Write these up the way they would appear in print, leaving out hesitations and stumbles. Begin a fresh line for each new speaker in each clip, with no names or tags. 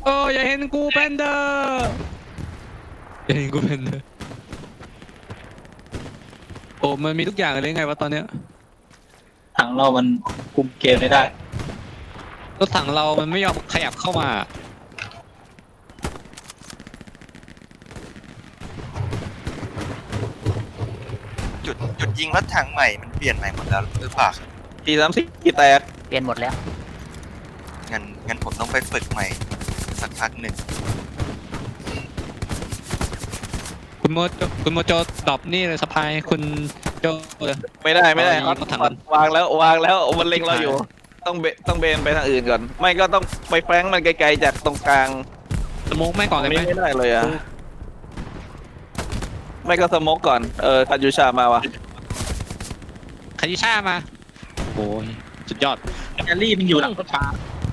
โอ้อย่าเห็นกูแพนเดอร์อย่าเห็นกูแพนเดอร์โอ้มันมีทุกอย่างเลยไงวะตอนเนี้ย
ถังเรามันคุมเกมไม่ได้
รถถังเรามันไม่ยอมขยับเข้ามา
จุดยิงรถถังใหม่มันเปลี่ยนใหม่หมดแล้วหรือเปล่า
4-3-4แตก
เปลี่ยนหมดแล้ว
งั้นผมต้องไปฝึกใหม่สักพักหนึ่ง
คุณโมโจดรอปนี่เลยสะพายคุณโจเลย
ไม่ได้
เอายิงรถถัง
วางแล้วมันเล็งเราอยู่ ต้องเบนไปทางอื่นก่อน ไม่ก็ต้องไปแฟงมันไกลๆจากตรงกลาง
สโมกไม่ก่อนเลยไหม
ไม่ได้เลยอ่ะไม่ก็สโมกก่อนคายูชามาวะ
คายิช่ามาโอ้ยสุดยอด
แกลลี่มันอยู่หลังรถฟ้า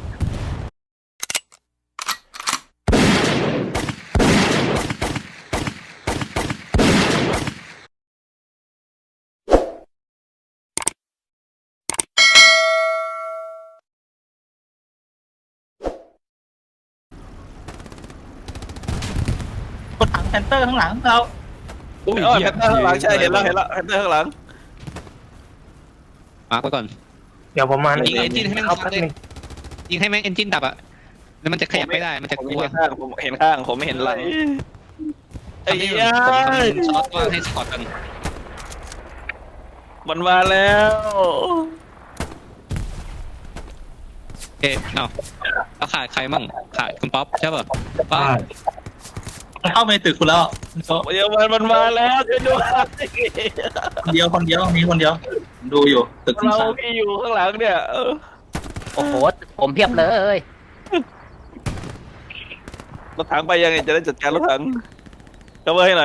รถถังแพนเตอร์ข้างหลังเรา
โอ้ย
แพนเตอร์ข้างหลังใช่เห็นแล้วแพนเตอร์ข้างหลัง
มาร์กไว้ก่อน
เดี๋ยวประมาณ
ยิงเอนจินให้แม่ง
เอา
ดับ
แป๊บ
เลย
นึง
ยิงให้แม่งเอนจินดับอ่ะแล้วมันจะขยับไม่ได้มันจะ
ผม
กลัว
เห็นข้างผมเห็นข้างผมไม่เห็นหลังไอ้
ทำให้
ยา
มันช็อตว่าให้สปอร์ตกัน
มันมาแล้ว
เอ๊ะเอาขาดใครมั่งขาดคุณป๊อปใช่ป่ะป๊อป
เข้าไปตึกคุณแล้ว
เดี๋ยวมันมาแล้วช่วยด้วย
คนเดียวมีคนเดียวดูอยู่ตึกคุณ
เรา
สาม
ที่อยู่ข้างหลังเนี่ย
โอ้โหผมเพียบเลย
รถถังไปยังไงจะได้จัดการรถถังเข้ามาให้หน่อย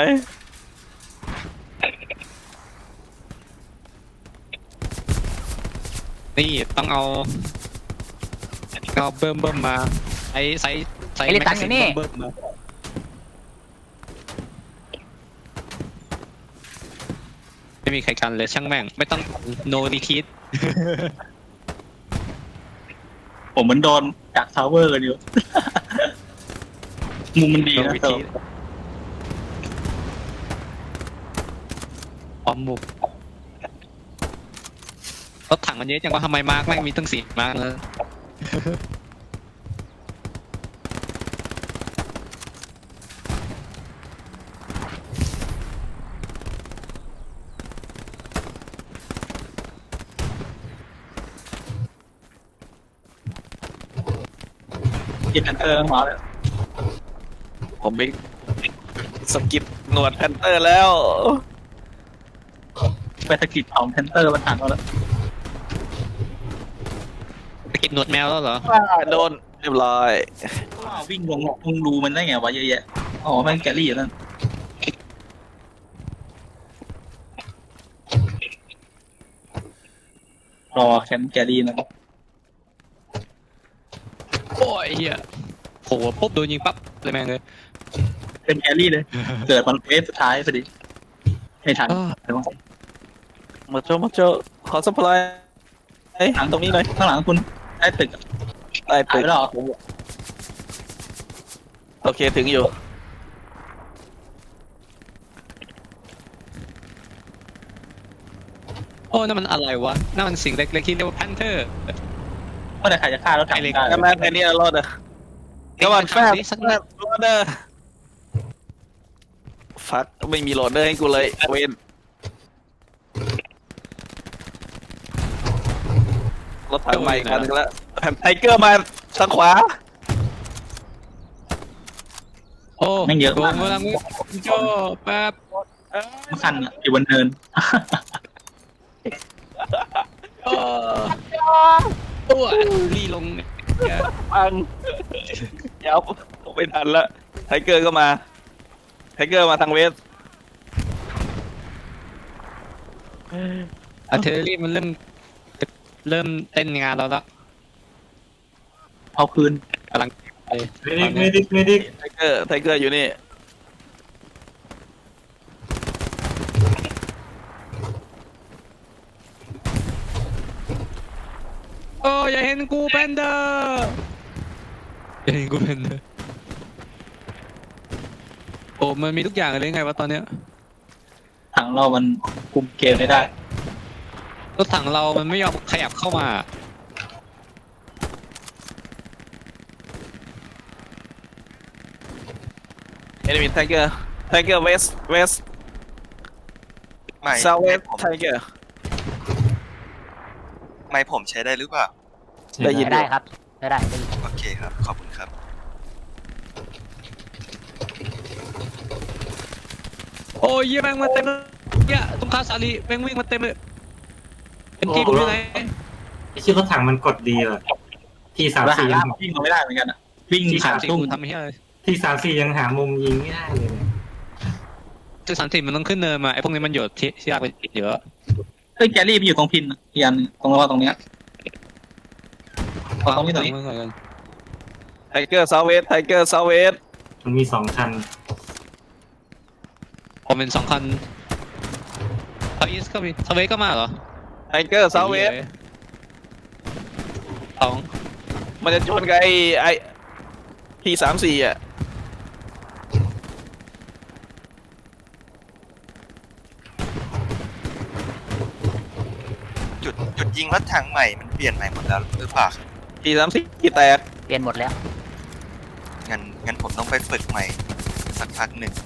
นี่ต้องเอาเบิ่มมาใส่
ไอ้ลิตันอยู่นี่
เบิ่มมาไม่มีใครกันเลยช่างแม่งไม่ต้องโนรีทีส
ผมเหมือนโดนจากทาวเวอร์กันอยู่ มุมมันดี
โน
นะ
รี
เติ
ที
ม
สพร้อมบุกรถถังมันเยอะจังว่าทำไมมาร์กแม่งมีตั้ง4มาร์กเลย
กินแพนเตอร์มาแล้ว
ผมไปสกิปหนวดแพนเตอร์แล้ว
ไปสกิดของแพนเตอร์มันหันมาแล้ว
ไปกินหนวดแมวแล้วเหรอ
โดนเรียบร้อย
วิ่งลงรูมันได้ไงวะเยอะแยะอ๋อแม่งแกลลี่อยู่นั่นรอแคมป์แกลลี่นะครับ
โอ้ยเฮียโหปุ๊บโดนยิงปั๊บเลยแม่งเลย
เป็นแกลลี่เลย เกิดมันเวฟสุดท้ายพอดีไม่ทัน
อ้อ
มาโจขอสัพพลายหลังตรงนี้หน่อย
ข้างหลังคุณได้ตึก
ได้
หาย
ตึก
ไปแล้วเหรอ
โอเคถึงอยู่
โอ้นั่นมันอะไรวะนั่นมันสิ่งเล็กๆที่เรียกว่าแพนเทอร์
เมื่อไหร่ใครจะฆ่ารถถังได้
แม่แค่นี้รอดอะก็วันแฟบ
สักนิด
โหลดเดอร์ฟักไม่มีโหลดเดอร์ให้กูเลยเวนรถถังใหม่อีกคันหนึงแล้วไทเกอร์มาทางขวา
โอ้
แม่งเยอะมาก
โดนกำลังโจแป๊บ
มันคันอะอยู่บนเนิน
โอ้ตัวรีลงเนี่ย
ปังยับไม่ทันละไทเกอร์ก็มาไทเกอร์มาทางเวส
อาร์เทอรี่มันเริ่มเต้นงานเราแล้ว
เอาคืน
กำลังไป
ไม่ดิ
ไทเกอร์อยู่นี่
โอ้อย่าเห็นกูแพนเดอร์อย่าเห็นกูแพนเดอร์โอ้มันมีทุกอย่างเลยไงวะตอนเนี้ย
ถังเรามันคุมเกมไม่ได้
รถถังเรามันไม่ยอมขยับเข้ามา
enemy tiger tiger west west
ไม่
south
ไม่
west
ผม
tiger
ไม่ผมใช้ได้หรือเปล่า
ได้ยิน
ได้ครับได้ยิน
โอเคครับ ขอบคุณครับ
โอ้ยเหี้ยแม่งมาเต็มเลยเหี้ยตรงคาสาลีแม่งวิ่งมาเต็มเลยเอ็มจีผมอยู่ไหน
ไอ้ชื่อรถถังมันกดดีว่ะที่สาม
แล้วหา
สี่
ล่ามวิ่งเราไม่ได้เหมือนกันอะวิ่ง
ที่
ขา
สามสี่
ตุ้ม
กูทำไม่ได้เลย
ที่สามสี่ยังหามุมยิงไม่ได้เลยเนี่ย
ที่สามสี่มันต้องขึ้นเนินมาไอ้พวกนี้มันโยดที่ยากไปเยอะ
เฮ้ยแกรี่มันอยู่ตรงพินนะอีกอันหนึ่งตรงตรงเนี้ย ตรงนี้
tiger south west tiger south west
มันมี2 คัน
ผมเป็น2 คันทาวิสก็มีทาเวสก็มาเหรอ
tiger south west
สอง
มันจะชนกับไอ้ที่34อ่ะ
จุดยิงรถถังใหม่มันเปลี่ยนใหม่หมดแล้วหรือเปล่า
ที่34แตก
เปลี่ยนหมดแล้ว
งั้นผมต้องไปฝึกใหม่สักพักหนึ่ง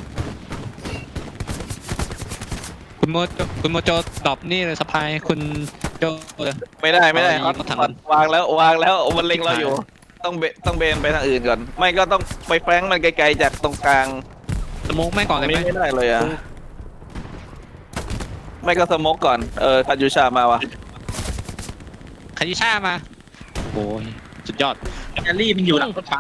คุณโมโจดรอปนี่เลยสะพายคุณโจเลย
ไม่ได้
เอา
เขา
รถถัง
วางแล้วมันเล็งเราอยู่ ต้องเบนไปทางอื่นก่อน ไม่ก็ต้องไปแฟงมันไกลๆจากตรงกลาง
สโมกแม่งก่อนเลยไหม
ไม่ได้เลยอ่ะไม่ก็สโมกก่อนคายูชามาวะ
คายิช่ามาโอ้ยสุดยอด
แกรี่มันอยู่หลังรถฟ้า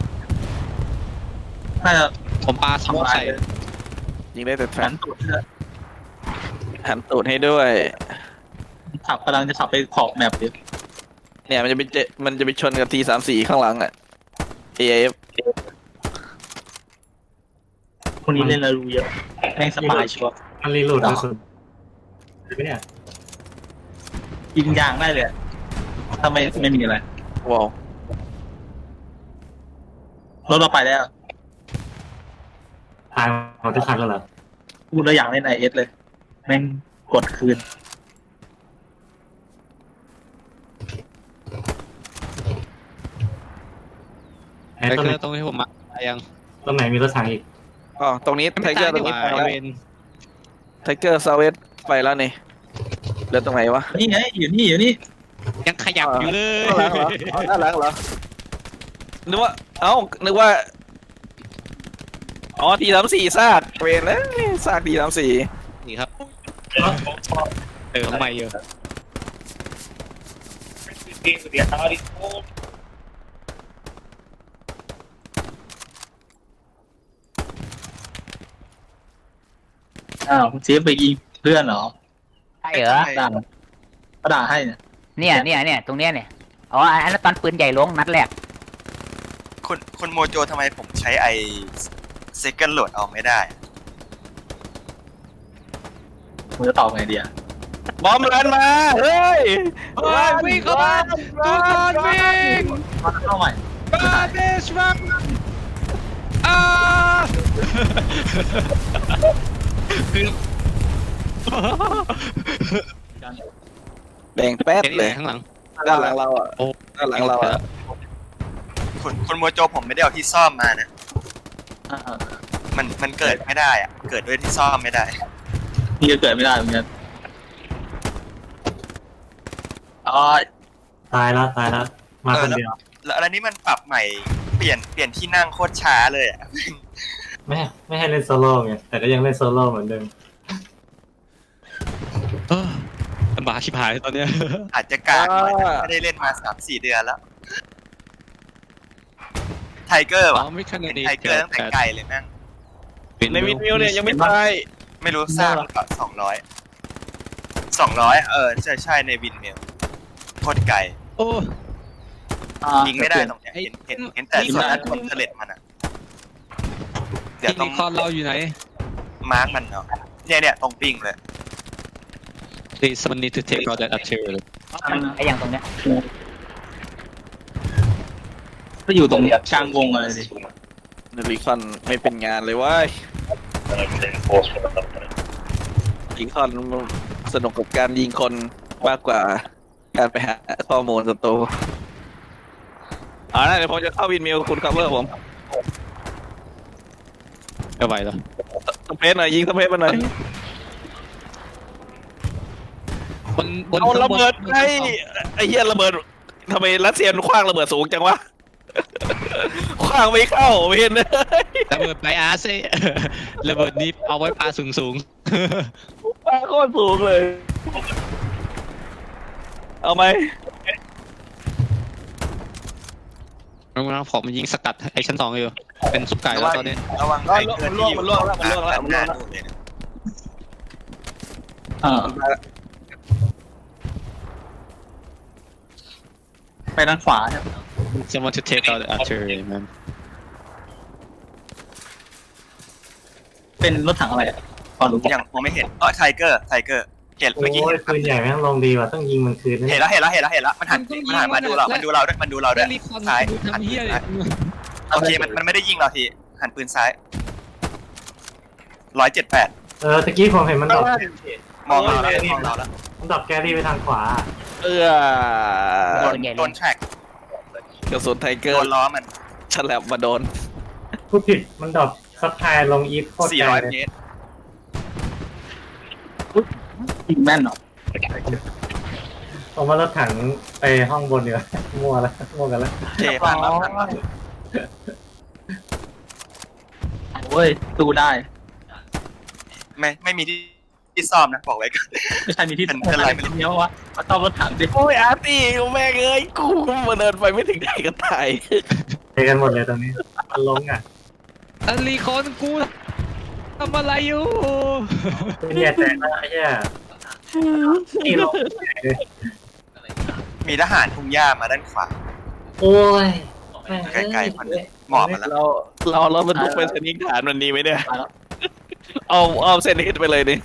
น่าจะ
ผมปาสโมก
ทำลาย
ใส่
เลย
ยิงได้แต่แฟ
แข
น
นตุดเลย
หันตูดให้ด้วย
ขับกำลังจะขับไปขอบแมปอยู่
เนี่ยมันจะไปชนกับที34ข้างหลังอ่ะ AIF
คนนี้เล่นแล้วรู้เยอะแม่งสบายชัวร์
มันรีโหลดกระสุนเห็นไหมเนี่ย
ยิงยางได้เลยถ้าไม่มีอะไร
ว้าว
รถเราไปแล้ว
ตายหมดทุกคันแล้วเหรอ
พูดแล้วอยากเล่นไอเอสเลย แม่งกดคืน
ไอ้
ไอ้
ต้น
เค
ไหน
รื่องตรงที่ผมมายัง
ต้นไหนมีรถถังอีก
อ๋อตรงนี้ไทเกอร์ตรงนี้
ไ
ไปแล้ว
เวน
ไทเกอร์ซาเวสไปแล้วนี่เหลือตรงไหนวะ
นี่ไงอยู่นี่
ยังขยับอยู่เลย
ด้านหลังเหรอนึกว่านึกว่าอ๋อที34ซากเวนแล้วซากที34
นี่ครับทำไมเยอะ
อ้าวเซฟไปยิงเพื่อนเหรอ
ใช่เหรอ
ด่าก็ด่าให้เนี่ย
เนี่ยตรงเนี้ยเนี่ยอ๋ออันนั้นตอนปืนใหญ่ลงนัดแรก
คุณโมโจทำไมผมใช้ไอเซคันโหลดเอาไม่ได้
มึงจะตอบไงเดีย
บอมรันมาเฮ้ย
วิ่งเข้ามาทุกคนวิ่ง
มาเข้าใหม่
บาเดชรักอ่าคือ
แดงแป๊ด
เห็น
เล
เลย ยข้างหลัง
ด้านหลังเราอ่ะ
โอ้
ด้านหลังเราอ่ะ
คุณโมโจผมไม่ได้เอาที่ซ่อมมานะ
อ่า
มันเกิดไม่ได้อะเกิดด้วยที่ซ่อมไม่ได้
นี่ก็เกิดไม่ได้เหมือนกันอ๋อ
ตายแล้วมาคนเดียว
แล้วอันนี้มันปรับใหม่เปลี่ยนที่นั่งโคตรช้าเลยอ่ะ
ไม่ให้เล่นโซโล่ไงแต่ก็ยังเล่นโซโล่เหมือนเดิม
ลำบากชิบหายตอนเนี้ย
อาจจะกากหน่อยแต่ไม่ได้เล่นมา 3-4 เดือนแล้ว ไทเกอร์
อ๋
วะ
อไม่ขนา
เป็
ด
น
นี้
ไทเกอร์ตั้งแต่ไกลเลยแม่ง
ในวินมิวเนี่ยยังไม่ตาย
ไม่รู้สร้างก็200 ใช่ในวินเมลโคตรไกล
โอ้
ยิงไม่ได้ตรงเนี้ยเห็นแต่ส่วนนั้นคนเทเลตมันอ่ะ เดี๋ยว
ที่
ต้อง
นิคอนเราอยู่ไหน
มาร์กมันเนาะเนี่ยตรงปิงเลย
Please someone need to take out that artillery
ไอ้อย่างตรงเนี้ย
ก็อยู่ตรงกลางวงอะไรดิ
รีคอนไม่เป็นงานเลยเว้ยรีคอนสนุกกับการยิงคนมากกว่าการไปหาข้อมูลศัตรูเดี๋ยวผมจะเข้าวินมิวคุณคัฟเวอร์ผม
ไม่ไหวแล้ว
สเปซหน่อยยิงสเปซมาหน่อย
บน
เอาระเบิดไอ้เหี้ยระเบิดทำไมรัสเซียมันคว้างระเบิดสูงจังวะคว้างไม่เข้าไม่เห็นเลย
ระเบิดไบอาร์ซระเบิดนี้เอาไว้ปาสูง
คว้างโคตรสูงเลย เอาไหม
ๆผมยิงสกัดไอ้ชั้น 2อยู่เป็นซุปไก่แล้วตอนนี้
ระวังไอ้เกินที่อยู่
มันล่วงแล้วมันล่วงแล้ว
หน้านู่นเลยนะ
ไปด้านขวาครับ
someone to take out the artillery man
เป็นรถถังอะไรอ่ะพอรู้
ยังมองไม่เห็นไทเกอร์เห็น
โอ้
เมื่อกี้
ยปืนใหญ่แม่งลงดีว่ะต้องยิงมันคืน
เห็นแล้วมันหันมาดูเราด้วย
รีคอน
ซ้าย
ทำเฮียเลย
โอเคมันไม่ได้ยิงเราทีหันปืนซ้าย178
ตะกี้ผมเห็นมันดรอป
มองเราแล้ว
มันดรอปแกรี่ไปทางขวา
โดนแทร็ก
กระสุนไทเกอ
โด
ร์
นล้อมัน
ฉลับมาโดน
พูดผิดมันดรอปซับไทายลงอีฟโคตรไกล
400
เลย
เมตร
ยิงแม่นเหรอ
ผมว่ารถถังไปห้องบนดีกว่ามั่วกันแล้ว
เทผ่านมา
โอ้ยสู้ได้
ไม่มีที่ซ่อมนะบอกไว้ก่อน
ไม่ใช่มีที่
เป็นอะไรไม่รู้
เนี้ยวะมาต้อมรถถังดิ
โอ้ยอาร์ตี้แม่งเอ้ยกูมาเดินไปไม่ถึงไหนก็ตาย
เทกันหมดเลยตรงนี้มันลงอ่ะ
รีคอนกูทำอะไรอยู่
เนี่ยแจกแล้วไอ้เหี้ยนี่ลง
มีทหารทุ่งหญ้ามาด้านขวา
โอ้ย
ใกล้ๆมันหมอบมาแล้ว
เราบรรทุกเป็นสนิกฐานวันนี้ไหมเนี่ยเอาเส้นนี้ไปเลยดิ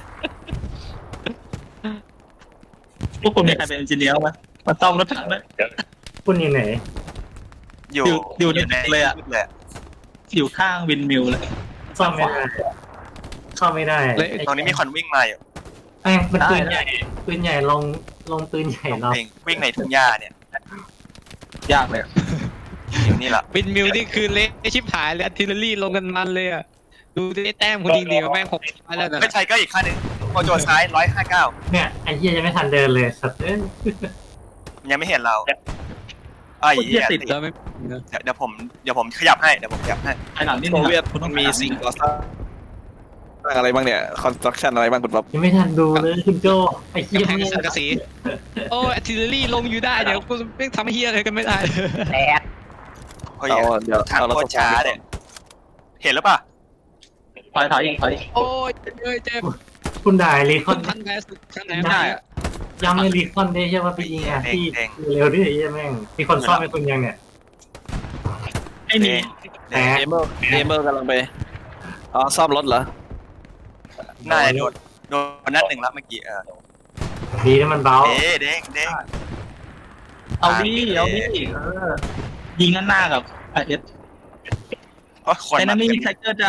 พวกคุณมีใครเป็นเอนจิเนียร์ไหมมาต้อมรถถังเลย
คุณอยู่ไหน
อยู่ในเลยอ่ะ
อยู่ข้างวินมิลเลย
ซ่อมไม่ได้เข้าไม่ได้
ตรงนี้มีคนวิ่งมาอยู่
แม่งเป็นปืนใหญ่ปืนใหญ่ลงปืนใหญ่เรา
เองวิ่งในทุ่งหญ้าเนี่ย
ยากเลย
อยู่นี่แหละ
วินมิวนี่คือเละชิบหายเลยอาร์ติเลอรี่ลงกันมันเลยอ่ะดูได้แต้มคุณยิงดีกว่าแม่ง6แล้วนะ
ไม่ใช่ก็อีกขั้นหนึ่งโมโจซ้าย159
เนี่ยไอ้เหี้ยยังไม่ทันเดินเลยสัตว์
ยังไม่เห็นเราไอ้เหี้ย
แล้วไม่
เดี๋ยวผมขยับให้
ไอ้หลังนี่
โซเวียตมันมีสิ่งก่อสร้างอะไรบ้างเนี่ยคอนสตรักชั่นอะไรบ้างคุณป๊อป
ยังไม่ทันดูเลยคุณโจไอ้เหี้ย
กำแพงสังกะสีโอ้อาร์ติเลอรี่ลงอยู่ได้เดี๋ยวกูไม่ทำเฮียอะไรกันไม่ได้
แตก
เฮ้ยทางโคตรช้าเนี่ยเห็นแล้วป่ะ
ถอยอีก
โอ้ยเจ็บ
คุณด่ารีค
คุ
อน
ณทันแพ้สุดทันไหนไม่ได้อะ
ย้ำเลยรีคอนได้ใช่ว่าไปยิงที่เร็วดิไอ้เหี้ยแม่งมีคนซ่อมให้คุณยังเนี่ย
ไอ้นี่
แตก
เอเมอร์กำลังไปซ่อมรถเหรอ
น่าจะโดนนัดหนึ่งแล้วเมื่อกี้
ดีนะมันเบา
เด้ง
เอาดิยิงหน้ากับไอเอส
เพราะคน
ไอ้นั่นไม่มีใครเกิดจะ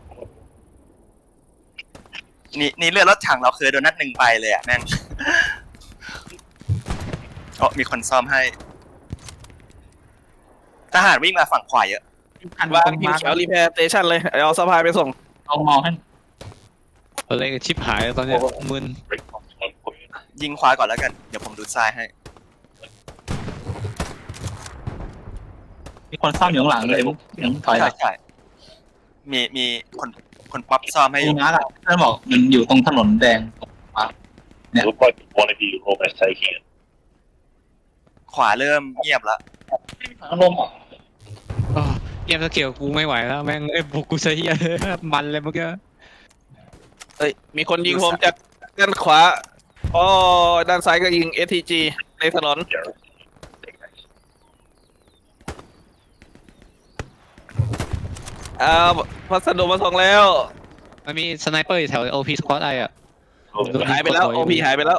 นี่เลือดรถถังเราเคยโดนนัดหนึ่งไปเลยอ่ะแม่งมีคนซ่อมให้ทหารวิ่งมาฝั่งขวาเยอะ
วางทีมแถวรีแพร์สเตชันเลยเอาสะพายไปส่ง
เอามองให้
อะไรกันชิบหายตอนนี้มึน
ยิงขวาก่อนแล้วกันเดี๋ยวผมดูซ้ายให้
มีคนซ่อมอยู่ข้างหลังเลยยังถอยหลัง
ใช่มีคนป๊อปซ่อมให้อ
ดู
ยู่
นะล่ะท่านบอกมันอยู่ตรงถนนแดง
Look like one of you almost taking it.
ขวาเริ่มเงียบแล้ว
ลม
เกมสเกลกูไม่ไหวแล้วแม่งบุกกูเสียมันเลยเมื่อกี้
เอ้ยมีคนยิงผมจากด้านขวาด้านซ้ายก็ยิง STG ในถนนพัสดุมาส่งแล้ว
มันมีสไนเปอร์อยู่แถว OP Squad อ่ะ
หายไปแล้ว OP หายไปแล้ว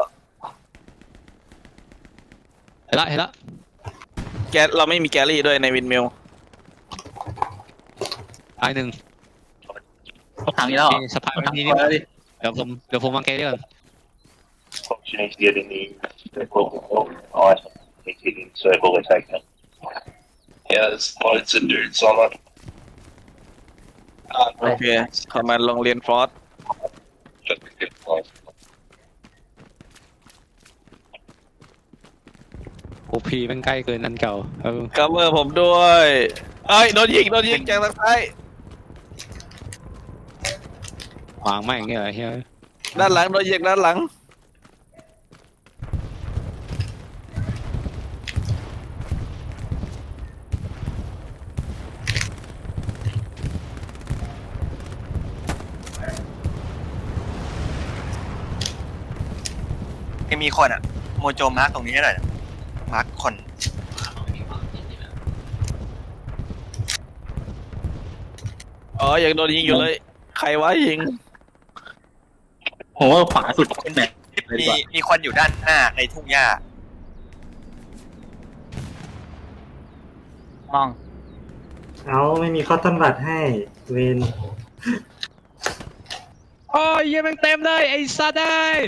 เห็นละ
เราไม่มีแกลลี่ด้วยในวินมิล
ตายหนึ่ง
ถังนี้แล้วเหรอ
สะพาน
ถัง
นี้
นี้
นี่
แล้วดิ
เดี๋ยวผมวางแกเรื่อง
Functioning getting the equipment on taking circle attack them. Yeah, there's lots of dudes on it.
โอเคคอมมานด์โรงเรียนฟอร์ส
โอพีมันใกล้เกินอันเก่า
คัฟเวอร์ผมด้วยเอ้ยโดนยิงจากทางซ้ายว
างไม่อย่างเงี้ยเหรอเฮีย
ด้านหลังโดนยิงด้านหลัง
ยังมีคนอ่ะโมโจมาร์กตรงนี้ให้หน่อยมาร์กคน
อ๋อยังโดนยิงอยู่เลยใครวะยิง
ผมว่าขวาสุดขึ้นแบบเลยดีกว่า
มีคนอยู่ด้านหน้าในทุ่งหญ้าม
อง
เอาไม่มีคอตตอนบัตให้เวน
โอ้ยเฮียแม่งเต็มเลยไอ้สัตว์ได้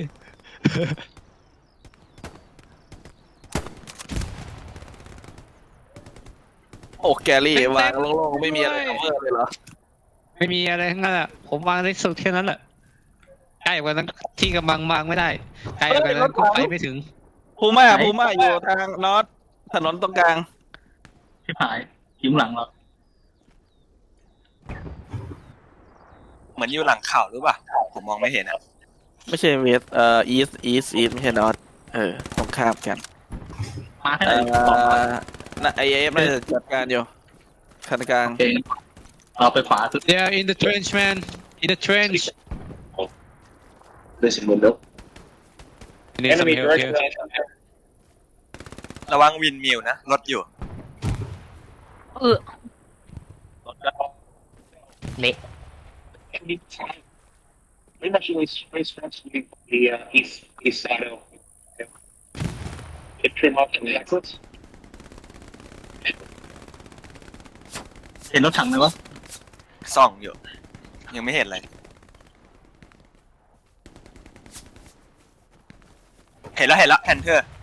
โอ้แกรี่วางโล่งๆไม่มีอะไรคัฟเวอร์เลยเหรอ
ไม่มีอะไรทั้งนั้นอ่ะผมวางได้สุดแค่นั้นแหละใกล้กว่านั้นที่กำลังวางไม่ได้ใกล้กว่านั้นก็ไปไม่ถึง
พูม่าอยู่ทางนอตถนนตรงกลาง
ที่หายยิ้มหลังเรา
เหมือนอยู่หลังเขาหรือเปล่าผมมองไม่เห็นอ่ะ
ไม่ใช่เวสอีสไม่ใช่นอตตรงข้ามกัน
มาให้หน่อยสองร้อย
น่ะไอเอฟน่าจะจัดการอยู่คันกลาง
โอเคเราไปขวาสุด
They are in the trench man in the trench
Listen, window.
I need some
Enemy
help here
direct.
ระวังวินมิวนะรถอยู่
เละ
We're actually space fancy the east side of it trim up to the exits.
เห็นรถถังไหมวะ
ส่องอยู่ ยังไม่เห็นอะไรเห็นแล้วแพนเทอร์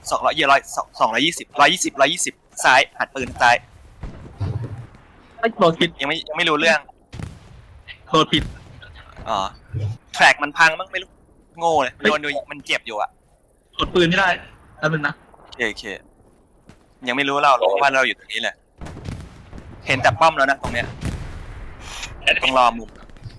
220ซ้ายหัดปืนซ้าย
ไอ้โดนผิด
ยังไม่รู้เรื่อง
โดนผิด
อ๋อแทร็กมันพังมั้งไม่รู้โง่เลยโดนมันเจ็บอยู่อ่ะ
กดปืนไม่ได้แล้วนึงนะ
โอเคยังไม่รู้เราหรอกว่าเราอยู่ตรงนี้แหละเห็นแต่ป้อมแล้วนะตรงเนี้ยต้องรอมุม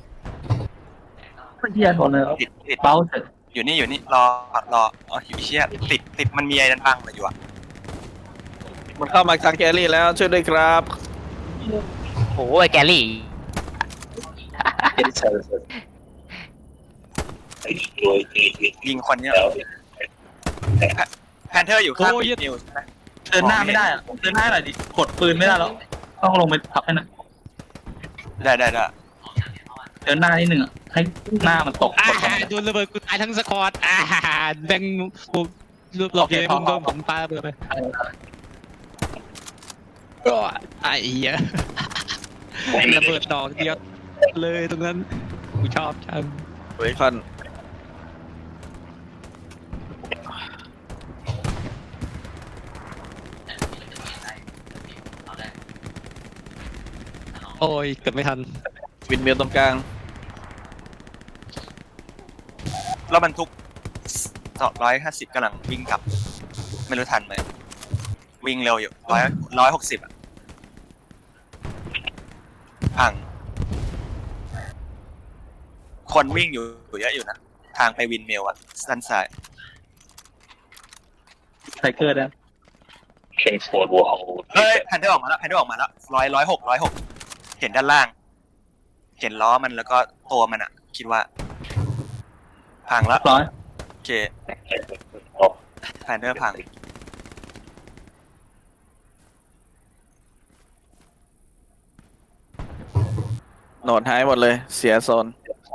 เฮียโดนเลย
ติด
เบ้าเสร็จ
อยู่นี่รออ๋ออยู่เชี่ยติดมันมีไอ้ดันบังเลยอยู่อ่ะ
มันเข้ามาทางแกรี่แล้วช่วยด้วยครับ
โอ้ยแกลี่
I destroyed the
ยิงคนเนี้ยแพนเทอร์อยู่ข้างนิวใช่ไหม
เดินหน้าไม่ได้อะเดินหน้าหน่อยดิกดปืนไม่ได้แล้วต้องลงไปพับให้หน่อย
ได้
เดินหน้านิดนึงอ่ะให้หน้ามันตก
โดนระเบิดกูตายทั้งสควอตแบงรูปหลอกเลยมึงโดนผมปาระเบิดไปก็ไอ้เหี้ยระเบิดดอกเดียวเลยตรงนั้นกูชอบจัง
เฮ้ยคอน
โอ้ยเกือบไม่ทัน
วินเมลตรงกลาง
แล้วบรรทุก250กำลังวิ่งกลับ ไม่รู้ทันไหมวิ่งเร็วอยู่160อ่ะพังคนวิ่งอยู่เยอะอยู่นะทางไปวินเมลอ่ะด้านซ้าย
ไทเกอร์ได้
Kingsford will hold.
เฮ้ยแพนเทอร์ออกมาแล้ว106เห็นด้านล่าง เห็นล้อมันแล้วก็ตัวมันอ่ะ คิดว่าพังแล้ว
ร้อย
โอเค
Oh,
แพนเทอร์พัง
โหนดหายหมดเลยเสียโซน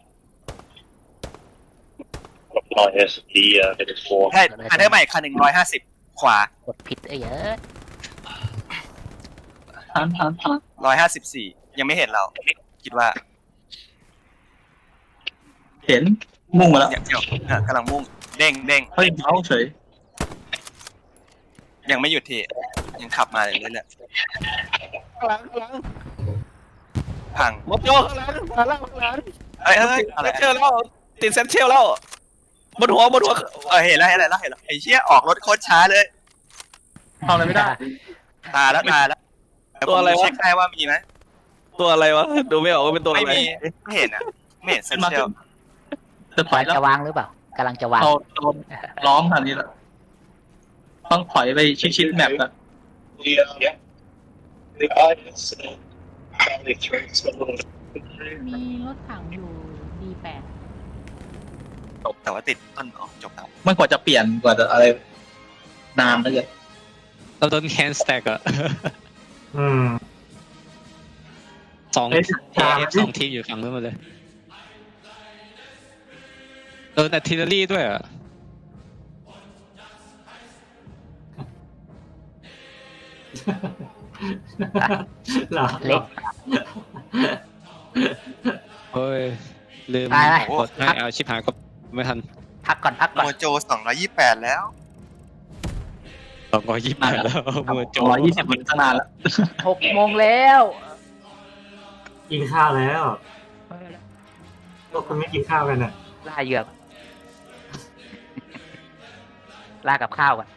minus the minus 4.
ใช่แพนเทอร์ใหม่คัน150ขวาก
ดผิดเยอะ
ทัน
154ยังไม่เห็นเราคิดว่า
เห็นมุ่งมาแล้ว
เนี่ยกำลังมุ่งเด้งเด้ง
เฮ้ยเอาเฉย
ยังไม่หยุดทียังขับมาเรื่อย
ข้างหลังข้างหลัง
ๆพัง
หมดโยข้างหลังข้างหลังข้างหลัง
เอ้ยอะไร
เซนเชลแล้วติดเซนเชลแล้วบนหัว
เห็นแล้วไอ้เชี่ยออกรถโคตรช้าเลย
ทำอะไรไม่ได้
ตาแล้วเดี๋ยวผมเช็คให้ว่ามีไหม
ตัวอะไรวะดูไม่ออกว่าเป็นตัวอะ
ไม่
ไร
มีไม่เห็นอ่ะไม่เห็นเซนเชียล
จะถอยแล้ว
จะวางหรือเปล่ากำลังจะวาง
เราโดนล้อมขนาดนี้แล้วต้องถอยไปชิดๆแมปอะ
Yeah. The audience probably throws a little.
มีรถถังอยู่ D8
แต่ว่าติดต้นจบแล้ว
มันกว่าจะเปลี่ยนกว่าจะอะไรนานเลย
เราโดนแคนสแต็กอะ
อืม
สอง
เอ้ย
สองทีมอยู่ฝั่งนู้นหมดเลยโดนอาร์ติเลอรี่ด้วยอะ
เหรอ
เล็ก
เฮ้ยลืม
ไป
กดให้เอาชิบหายก็ไม่ทัน
พักก่อนพักก่อน
โมโจ228แล้ว
228แล้วเมื่อโจ
120มันตั้งนานแล้ว
6 โมงแล้ว
กินข้าวแล้วพวกคุณไม่กินข้าวกันอ่ะ
ล่าเหยือกล่ากับข้าวก่อน